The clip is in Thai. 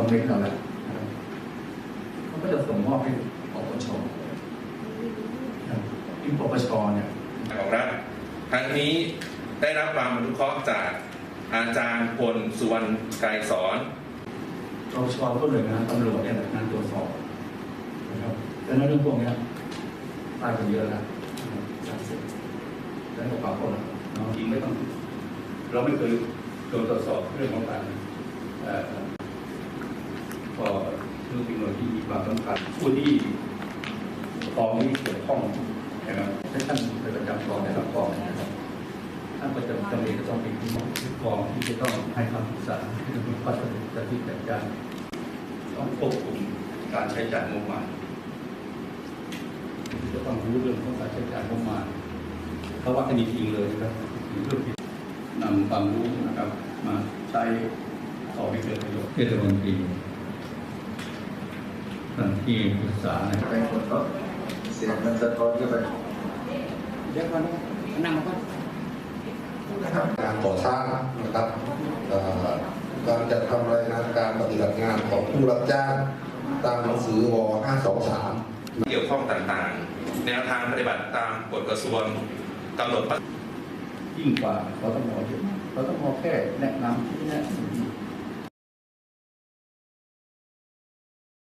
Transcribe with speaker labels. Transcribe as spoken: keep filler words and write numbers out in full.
Speaker 1: เว้นเราแล้วเขาก็จะส่งมอบให้ปปชที่ปปชเนี่ย
Speaker 2: ของรัฐทั้งนี้ได้รับความอนุเคราะห์จากอาจารย์พลสุวรรณไกรสอน
Speaker 1: ปปชก็เลยนะตำรวจเนี่ยงานตรวจสอบนะครับแต่ในเรื่องพวกนี้ตายกันเยอะแล้วสามสิบแล้วก็ปราบคนเราจริงไม่ต้องเราไม่เคยโดนตรวจสอบเรื่องของการก็คือเป็นหน่วยที่มีความสำคัญผู้ที่กองนี้เกี่ยวข้องนะครับถ้าท่านเป็นประจำกองในรับกองนะครับท่านประจำตำแหน่งก็ต้องเป็นผู้กองที่จะต้องให้คำปรึกษาที่จะมีข้อเสนอจะที่จัดการต้องควบคุมการใช้จ่ายงบประมาณจะต้องรู้เรื่องของการใช้จ่ายงบประมาณเพราะว่าคดีจริงเลยนะครับเรื่องที่นำความรู้นะครับมาใช้ต่อไปเกิดประโยชน์เทศมนตรีท่านที่ปรึกษาใน
Speaker 3: ไปคนก็เสียงมันสะท้อนเข้าไป
Speaker 4: เดี๋ยวก่อนนั่งก่อน
Speaker 5: การก่อสร้างนะครับการจัดทำรายงานการปฏิบัติงานของผู้รับจ้างตามหนังสือวห้าสองสาม
Speaker 2: เกี่ยวข้องต่างๆแนวทางปฏิบัติตามกฎกระทรวงกำหนด
Speaker 1: ยิ่งกว่าเขาต้องมอเยอะเขาต้องมอแค่แนะนำที่แนะ